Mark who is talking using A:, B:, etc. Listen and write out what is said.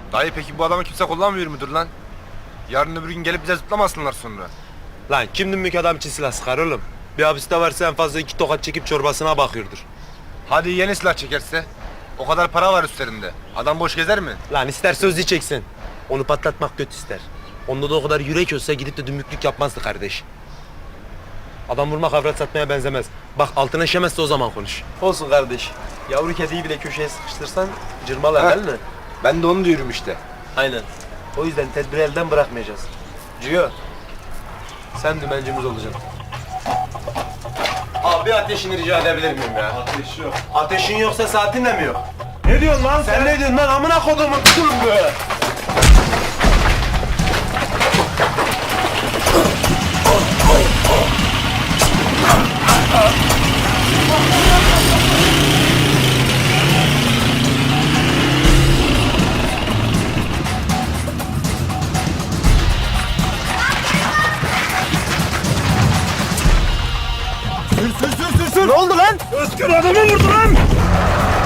A: Dayı peki bu adamı kimse kullanmıyor mudur lan? Yarın öbür gün gelip bize zıplamasınlar sonra.
B: Lan kim dümbük adam için silah sıkar oğlum? Bir hapiste varsa en fazla 2 tokat çekip çorbasına bakıyordur.
A: Hadi yeni silah çekerse? O kadar para var üstlerinde. Adam boş gezer mi?
B: Lan ister sözlü çeksin. Onu patlatmak kötü ister. Onda da o kadar yürek olsa gidip de dümbüklük yapmazdı kardeş. Adam vurmak avrat satmaya benzemez. Bak altına işemezse o zaman konuş. Olsun kardeş. Yavru kediyi bile köşeye sıkıştırsan cırmalar değil mi?
A: Ben de onu diyorum işte.
B: Aynen. O yüzden tedbiri elden bırakmayacağız. Ciyo, sen dümencimiz olacaksın. Abi ateşini rica edebilir miyim ya?
C: Ateş yok.
B: Ateşin yoksa saatin de mi yok?
C: Ne diyorsun lan
B: Sen ne diyorsun lan amına kodumun be?
C: Ne oldu lan? Özgür adamı vurdu lan!